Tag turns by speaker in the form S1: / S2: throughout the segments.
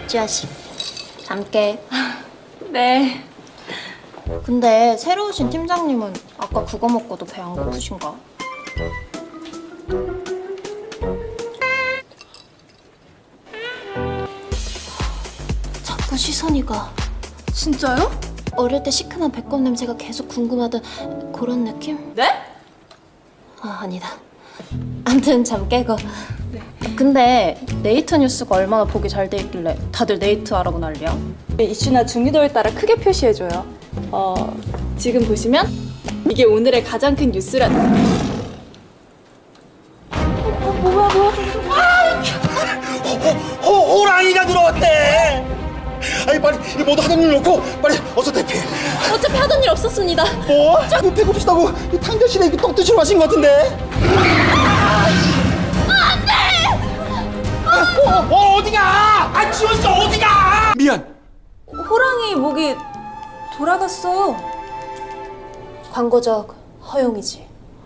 S1: 지아씨, 잠깨.
S2: 네.
S1: 근데 새로 오신 팀장님은 아까 그거 먹고도 배 안 고프신가? 자꾸 시선이 가.
S2: 진짜요?
S1: 어릴 때 시큼한 배꼽 냄새가 계속 궁금하던 그런 느낌?
S2: 네?
S1: 아, 아니다. 암튼 잠 깨고. 근데 네이트 뉴스가 얼마나 보기 잘 돼 있길래 다들 네이트 하라고 난리야?
S2: 이슈나 중요도에 따라 크게 표시해줘요. 지금 보시면 이게 오늘의 가장 큰 뉴스라는.
S3: 호랑이가 들어왔대. 아니 빨리 이 모두 하던 일 놓고 빨리 어서 대피해.
S1: 어차피 하던 일 없었습니다.
S3: 뭐? 이 배고프시다고 이 탕자실에 이렇게 떡 드시러 가신 것 같은데. 안돼. 어디가? 아 지원 씨 어디가? 미안.
S2: 호랑이 목이 돌아갔어.
S1: 광고적 허용이지.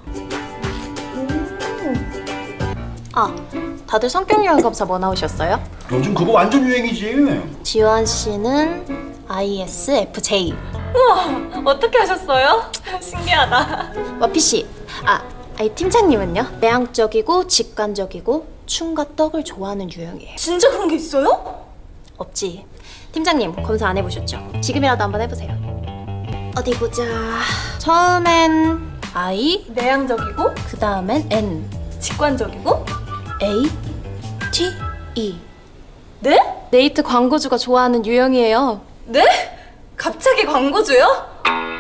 S1: 아, 다들 성격 유형 검사 뭐 나오셨어요?
S3: 요즘 그거 완전 유행이지.
S1: 지원 씨는 ISFJ.
S2: 어떻게 하셨어요? 신기하다.
S1: 와피 씨, 아이 팀장님은요? 내향적이고 직관적이고 춤과 떡을 좋아하는 유형이에요.
S2: 진짜 그런 게 있어요?
S1: 없지. 팀장님 검사 안 해보셨죠? 지금이라도 한번 해보세요. 어디 보자. 처음엔 I,
S2: 내향적이고
S1: 그 다음엔 N,
S2: 직관적이고.
S1: A, T, E.
S2: 네?
S1: 네이트 광고주가 좋아하는 유형이에요.
S2: 네? 갑자기 광고주요?